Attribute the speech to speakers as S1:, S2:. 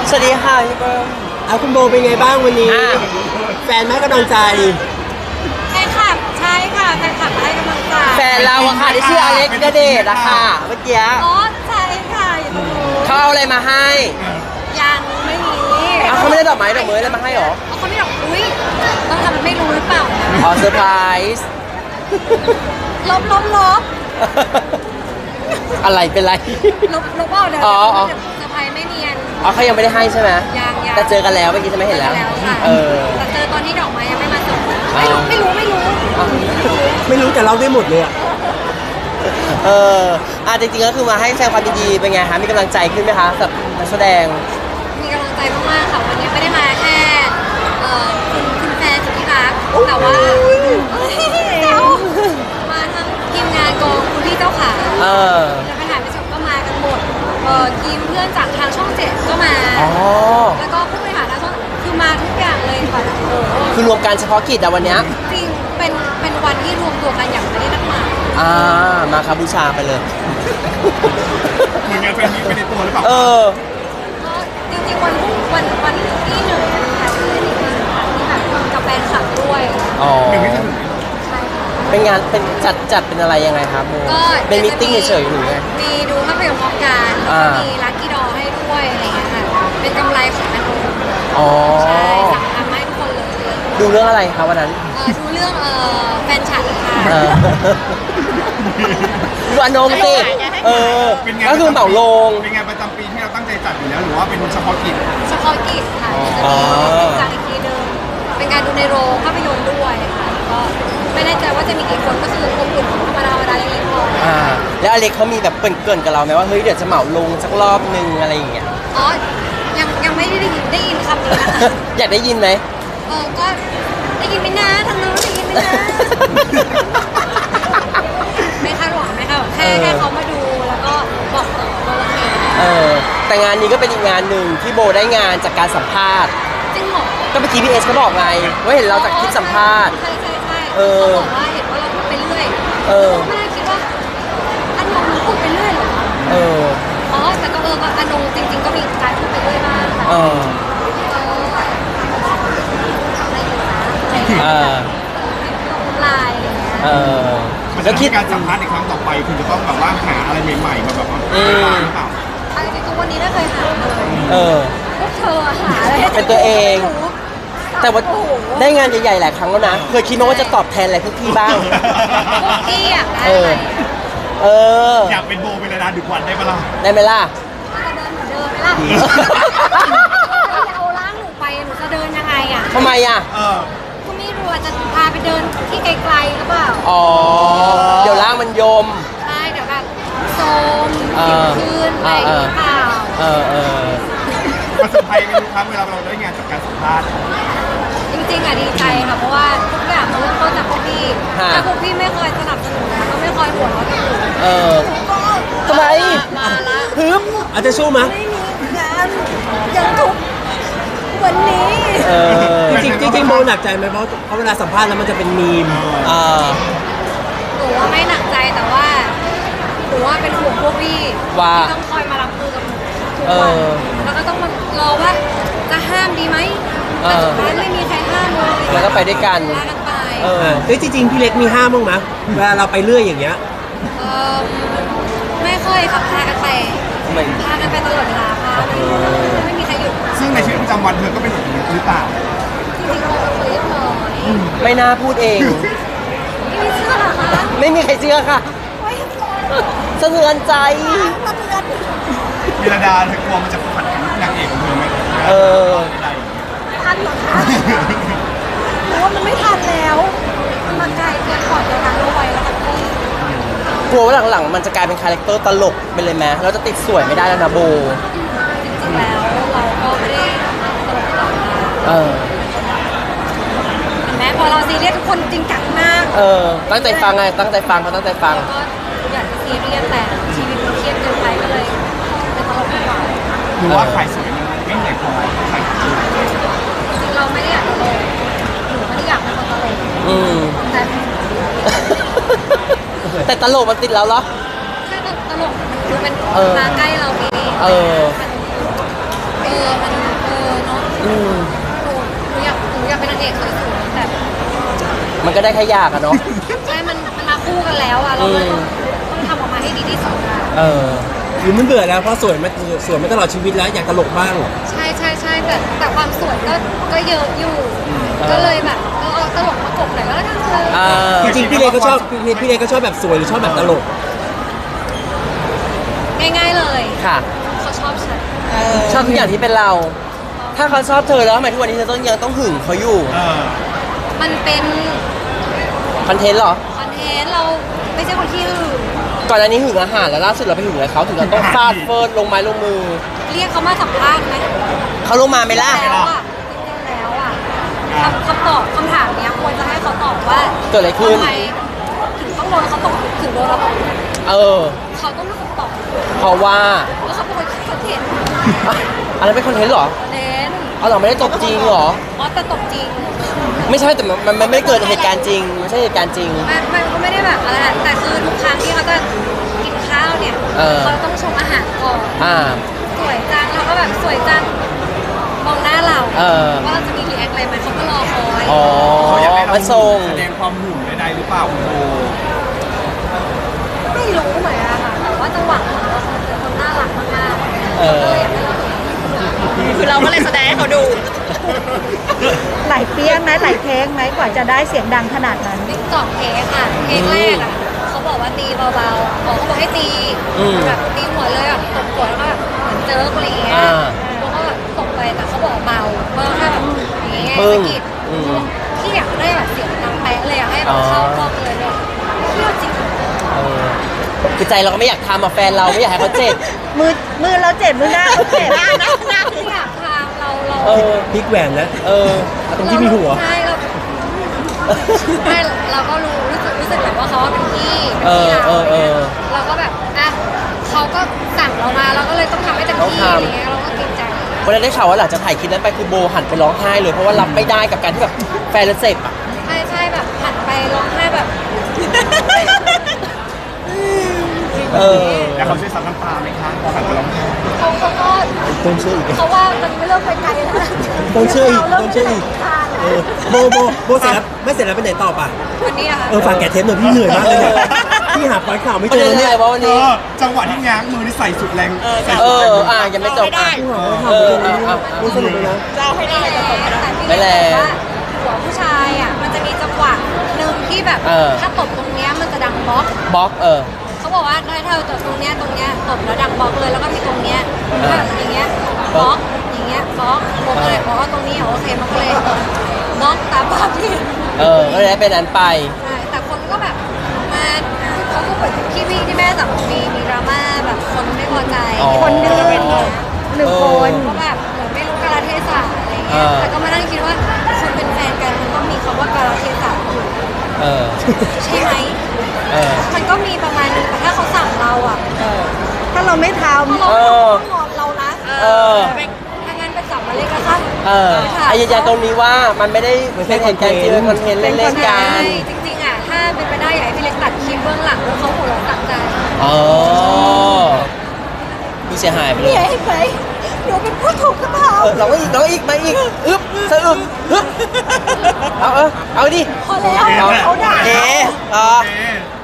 S1: สวัสดีค่ะพี่เบิ้ม
S2: คุณโบเป็นไงบ้างวันนี้แฟนให้กำลังใจ
S3: แฟนคลับใช่ค่ะแฟนคลับให้กำลังใจ
S1: แฟนเราอะค่ะที่ชื่ออเล็กณเดชน์อะค่ะเมื่อกี้
S3: อ๋อใช่ค่ะอยู่ตรงนู้น
S1: เขาเอาอะไรมาให้
S3: ยังไม่มี
S1: เขาไม่ได้ดอกไม้ดอกมืออะไรมาให้หรอ
S3: เขาไม่ดอกอุ้ยต้องทำมันไม่รู้หรือเปล่า
S1: อ๋อเซอร์ไพรส์
S3: ลบ
S1: อะไรเป็นไร
S3: ลบเอาเดี๋ยวเซอร์ไพรส์ไม่เนียน
S1: เขายังไม่ได้ให้ใช่ไหม
S3: ยัง
S1: แต่เจอกันแล้วเมื่อกี้จะไม่เห็นแล้ว
S3: แต่เจอตอนที่ดอกไม้ยังไม่มาส่งไม่รู้
S2: แต่เราได้หมดเลย
S1: จริงๆก็คือมาให้แสดงความยินดีเป็นไงคะมีกำลังใจขึ้นไหมคะกับนักแสดง
S3: มีกำลังใจมากๆค่ะวันนี้ไม่ได้มาแค่คุณแฟนสุดที่รักแต่ว่ามาทั้งทีมงานกองคุณพี่เจ้าขาจะไปถ่ายไปชมก็มากันหมดทีมเพื่อนจากทางช่อง7ก็มาแล้วก็ผู้บริหารทางช่องคือมาทุกอย่างเลยค่ะ
S1: คือรวมการเฉพาะกิจอะวันนี้
S3: จริงเป็นวันที่รวมตัวกันอย่างไม่ได้นัดหมาย
S1: มาครับบูชาไปเลย
S4: เหมือนงานแฟนมีไปในตัวหรือเปล่า
S3: จริงๆวันที่1นะคะที่แบบกับแฟนคลับด้วย
S4: หนึ่งไม่ถึง
S1: เป็นงานเป็นจัดเป็นอะไรยังไงครับโมเป็นมีติ้งเฉยๆหรือไง
S3: มีดูภาพยนตร์พร้อมกันแล้วก็มีลัคกี้ดอให้ด้วยอะไรเงี้ยค่ะเป็นกำไรของอันนู้นใช่สั่งทำให้ทุกคนเลย
S1: ดูเรื่องอะไรครับวันนั้น
S3: ดูเรื่องแฟนฉันค่ะ
S1: ดูอนงสิก็คือเหมาลง
S4: เป็นงานประจำปีที่เราตั้งใจจัดอยู่แล้วหรือว่าเป็นเฉพาะกิจ
S3: ค่ะจะมีจัดอีกทีเดิมเป็นการดูในโรงภาพยนตร์ด้วยค่ะก็ไม่แน่ใจว่าจะมีกี่คนก็คือคนอื่นธรรมดาเล็กๆพอ
S1: แล้วอเล็กเขามีแบบเกริ่นกับเราไหมว่าเฮ้ยเดี๋ยวจะเหมาลงสักรอบนึงอะไรอย่างเงี้ย
S3: ยังไม่ได้ยินคำนี้นะคะ
S1: อยากได้ยินไหม
S3: ก็ได้ยินไม่นานทางนู้นได้ยินไม่นานไม่คาดหวังแค่เขามาดูแล้วก็บอกต่อว่าโอเค
S1: แต่งานนี้ก็เป็นอีกงานหนึ่งที่โบได้งานจากการสัมภาษณ์
S3: จริงเหรอ
S1: ก็เมื่อกี้พี่เอสเขาบอกไงว่าเห็นเราจากคลิปสัมภาษณ์
S3: ใช่เขาบอกว่าเห็นว่าเราพูดไปเรื่อยไม่ได้คิดว่าอันนงพูดไปเรื่อยหรอแต่ก็อันนงจริงๆก็มีการพูดไปเรื่อยบ้างลาย
S4: แล้วคิดการสัมภาษณ์ในครั้งต่อไปคุณจะต้องแบบว่าหาอะไรใหม่ๆมาแบบว่าหรือเปล่า
S3: จริงๆวันนี้ไม่เคยหาเลยพวกเธอหาอะไร
S1: เป็นตัวเองแต่ว่าได้งานใหญ่ๆหลายครั้งแล้วนะเคยคิดว่าจะตอบแทนอะไรพวกพี่บ้าง
S3: พวกพี่อยากได้อะไร
S4: อยากเป็นโบเป็นระดาดึกวันได้ปะล่ะ
S1: ได้ไหมล่ะ
S3: จะเดินไหมล่ะจะเอาร่างหนูไปหนูจะเดินยังไงอ่ะ
S1: ทำไมอ่ะ
S3: ก็ไม่รู้จะพาไปเดินที่ไกลๆหรือเปล่า
S1: เดี๋ยวร่างมันยม
S3: ใช่เดี๋ยวแบบโซมขึ้นอะไรหรือเปล่า
S4: ประสบภัยไม่รู้ครับเวลาเราได้งานจากการสัมภาษณ์
S3: จริงๆดีใจค่ะเพราะว่าทุกอย่างมันเริ่มต้นจากพวกพี่ถ้าพวกพี่ไม่คอยสนับสนุนก็ไม่คอยหัวเราะ
S1: ทำไม
S3: มาละ
S2: ฮึบอาจจะสู้มั้ย
S3: ไม่มีงานยังทุกวันนี้
S2: จริงโบหนักใจไหมเพราะเวลาสัมภาษณ์แล้วมันจะเป็นมีม
S3: หนูว่าไม่หนักใจแต่ว่าหนูว่าเป็นห่วงพวกพี่ที่ต้องคอยมารับมือกับหนูทุกวันแล้วก็ต้องมารอว่าจะห้ามดีไหมแต่สุดท้ายไม่มีใครห้ามเลย
S1: แล้วก็ไปด้วยกัน
S3: ไป
S2: จริงพี่เล็กมีห้ามบ้างไหมเวลาเราไปเรื่อยอย่างเงี้ย
S3: ไม่ค่อยครับพากันไปตลอดเวลาค่ะไม่มีใครหยุด
S4: ซึ่งในชีวิตประจำวันเธอก็เป็นแบบนี้หรือเปล่า
S3: จริงๆเราคุยเรียบร้อย
S1: ไม่น่าพูดเอง
S3: ไม่เชื่อหรอคะ
S1: ไม่มีใครเชื่อค่ะสะเทือนใจ
S4: มีระดาเธอกลัวมันจะขัดกับนางเอกของเธอไหม
S3: ทันหรอคะหรือว่ามันไม่ทันแล้วมันมาไกลเกินก่อนเวลาเราไวแล้วค่ะพี่
S1: กลัวว่าหลังๆมันจะกลายเป็นคาแรคเตอร์ตลกไปเลยไหมเราจะติดสวยไม่ได้แล้วนะโบ
S3: จริงๆแล้วเราก็ไม่ได้ตลกหรอกเห็นไหมพอเราซีเรียสทุกคนจริงจังมาก
S1: ตั้งใจฟังไงตั้งใจฟังเขาตั้งใจฟัง
S3: ก็อยากจะซีเรียสแต่ชีวิตมันเครียดเกินไปก็เลยเป็นตลกดีกว่า
S4: หรือว่าใครสวยมันไม่เหนื่อยพอใครจ
S3: ริงเราไม่ได้อยากตลกหนูไม่ได้อยากเป็นคนตลก
S1: แต่ตลกมันติดแล้วเหรอ
S3: แค่ตลกมันเป็นมาใกล้เราเองมันเนาะ
S1: อืม
S3: หนูอยากเป็นนางเอกสวยๆแต่
S1: มันก็ได้แค่ยากอะเนาะ
S3: ใช่มันมาคู่กันแล้วอะเราเลยต้องทำออกมาให้ดีที่สุดอะ
S1: เออ
S2: หรือมันเบื่อแล้วเพราะสวยมาตลอดชีวิตแล้วอยากตลกบ้าง
S3: ใช่แต่ความสวยก็เยอะอยู่ ก็เลยแบบเอาตลกมากบหน่อยก็แล้วกันเธอ
S1: อ่า
S2: จริงๆพี่เลก็ชอบพี่เลก็ชอบแบบสวยหรือชอบแบบตลก
S3: ง่ายๆเลย
S1: ค่ะ
S3: เขาชอบฉัน
S1: ชอบทุกอย่างที่เป็นเรา ถ้าเขาชอบเธอแล้วทำไมทุกวันนี้เธอยังต้องหึงเขาอยู่
S3: มันเป็น
S1: คอนเทนต์เหรอ
S3: คอนเทนต์เราไม่ใช่คนที่อื่น
S1: ก่อนหน้านี้หึงอาหารแล้วล่าสุดเราไปหึงอะไรเขาถึงเราต้องฟาดเฟิร์นลงไม้ลงมือ
S3: เรียกเขามาสัมภาษณ์ไหม
S1: เขาลงมาไหมล่ะ
S3: แล้วอะจริงๆแล้วอะคำตอบคำถามเนี้ยควรจะให้เขาตอบว่า
S1: เกิดอะไรขึ้น
S3: ทำไมถึงต้องโดนเขาตกถึงโดนเราตก
S1: เออ
S3: เขาต้องรู้คำตอบ
S1: เพราะว่า
S3: ว่าเขาเป็นคนคิดคอนเทนต์
S1: อ่ะอันนั้นเป็นคอนเทนต์เหรอ
S3: เน้น
S1: เอาเหรอไม่ได้ตบจริงเหรอ
S3: อ๋อแต่ตกจริง
S1: ไม่ใช่แต่มันไม่เกิดเหตุการณ์จริงไม่ใช่เหตุการณ์จริง
S3: มันก็ไม่ได้แบบอะไรอะแต่คือทุกครั้งที่เขาจะกินข้าวเนี่ย
S1: เออ
S3: เขาต้องชมอาหารก่อน
S1: อ่า
S3: สวยจังเราก็แบบสวยจังมองหน้าเรา
S1: เออ
S3: ว่าเราจะมีรีแอคอะไรไหมเขาก็รอคอย
S1: อ๋อ
S4: เขาอยากให้เรา
S1: มาส่ง
S4: แสดงความหึงใดๆหรือเปล่าคุณโบ
S3: ไม่รู้เหมือนกันค่ะแต่ว่าจังหวะของเราเป็นคนน่ารักมากๆ
S1: เออ
S3: ก็เลยอยากให้เรา
S5: คือเราก็เลยแสดงให้เขาดู
S6: หลายเปี้ยงไหมหลายเทคไหมกว่าจะได้เสียงดังขนาดนั้น
S3: ติ๊กตอกเทคค่ะเทคแรกอ่ะเขาบอกว่าตีเบาๆเขาบอกให้ตี
S1: อืม
S3: แบบตีหัวเลยแบบตบหัวแล้วก็แบบเหมือนเจออะไรอย่างเงี้ย
S1: อ่า
S3: แล้วก็แบบตบไปแต่เขาบอกเบาเพราะถ้าแบบอย่างเงี้ย
S1: ปึ้
S3: สะ
S1: ง
S3: กิด
S1: อืม
S3: พี่อยากได้แบบเสียงดังแป๊ะเลยอยากให้แบบเข้ากล้องเลยเนี่ยเชื่อจริง
S1: เออคือใจเราก็ไม่อยากทำอะแฟนเราไม่อยากให้เขาเจ็บ
S6: มือเราเจ็บมือหน้าเขาเจ็บ
S3: ไม่อยากทำเรา
S1: เออ
S2: พลิกแหวนนะ
S1: เออ
S2: ตรงที่มีหัว
S3: ใช่เราก็รู้สึกแบบว่าเขาเป็นพี่
S1: เออ
S3: พี่
S1: เออเออ
S3: เราก็แบบอ่ะเขาก็สั่งเรามาเราก็เลยต้องทำให้เต็มที่
S1: ต้องทำ
S3: อะไรเงี้ยเราก็เกรงใจ
S1: วันนั้นได้ข่าวว่าหลังจากถ่ายคลิปนั้นไปคือโบหันไปร้องไห้เลยเพราะว่ารับไม่ได้กับการที่แบบแฟนเราเจ็บอะ
S3: ใช่แบบหันไปร้องไห้แบบ
S1: เออ
S4: แล้วเขาช่วยซับน้ำตาไหมคะพอหันไปร้องไห้
S3: เขาก็
S2: ต้องเชื่ออีก
S3: เขาว่ามันไม่เริ่มไปไกลแล้วนะ
S2: ต้องเชื่ออีก
S3: เรา
S2: ต้องเชื่ออีก
S3: เริ่ม
S2: เออโบเสร็จแล้วไม่เสร็จแล้วไปไหนต่อป่ะ
S3: วันนี้อะค่ะ
S2: ฝากแกะเทปหน่อยพี่เหนื่อยมากเลยเนี่ยพี่หาพอยต์ข่าวไม่
S1: ประ
S2: เจ
S1: เด็น
S2: อ
S1: อะ
S2: เนี่
S1: ไร
S2: ย
S1: วะวันนี้
S4: จังหวะที่ง้างมือนี่ใส่สุดแรงใส่
S1: เอ
S4: สุดแร
S1: อง อ่ะยังไม่จบอ่ะ เอออ่ะ
S2: ไม่สนุกเลยนะ
S5: จะเอาให้ได้จะตกไม่ได้
S3: แต่พี่
S1: ไม่แร
S3: เล็
S1: ง
S3: กบอกว่าหัวผู้ชายอ่ะมันจะมีจังหวะหนึ่งที่แบบ
S1: เออ
S3: ถ้าตบตรงเนี้ยมันจะดังบล็อก
S1: บล็อก
S3: เขาบอกว่าถ้าเธอตบตรงเนี้ยตบแล้วดังบล็อกเลยแล้วก็มีตรงเนี้ยแบบอย่างเงี้ยบล็อกอย่างเงี้ยบล็อกผมก็เลยบอกว่าตรงนี้โอเคมันก็เลยบล็อกตามภาพที่เห็น
S1: ก็เลยได้เป็นนั้นไป
S3: ใช่แต่คนก็แบบมาเขาก็เหมือนที่แม่สั่งมีดราม่าแบบคนไม่พอใจ
S1: อ๋อ
S6: คนหนึ่ง
S3: เป็น
S6: หนึ่งคน
S3: ก็แบบเหมือนไม่รู้กาลเทศะอะไร
S1: เอ
S3: เงี้ย
S1: อ
S3: แต่ก็มานั่งคิดว่าคนเป็นแฟนกันมันต้องมีคำว่ากาลเทศะอยู่
S1: เออ
S3: ใช่ไหม
S1: เออ
S3: มันก็มีประมาณนึงแต่ถ้าเขาสั่งเราอ่ะ
S6: ถ้าเราไม่ท
S3: ถ้าเรา
S1: เออ
S3: ต้องงอนเรานะ
S1: เออ
S3: ถ้างั้นไปจับมาเลยก็ค่ะ
S1: ไอ้ยืนยันตรงนี้ว่ามันไม่ได้เป็นเหตุการณ์จริงเป็นคอนเทนต์เล่นๆกั
S3: ใช่
S1: น
S3: จริงๆอ่ะถ้าเป็นไปได้อยากให้พี่เล็กตัดคลิปเบื้องหลังแล้วเขาหัวเราะตัดใจ
S1: อ๋อดูเสียหายไปเลย
S3: เห็นไหมหนูเป็นผู้ถูกกระทำ
S1: เราอีกมาอีกอึ๊บสะอึกอึ๊บเอาดิ
S3: พอแล้วเขาด่า
S1: เอ๋
S4: โอเค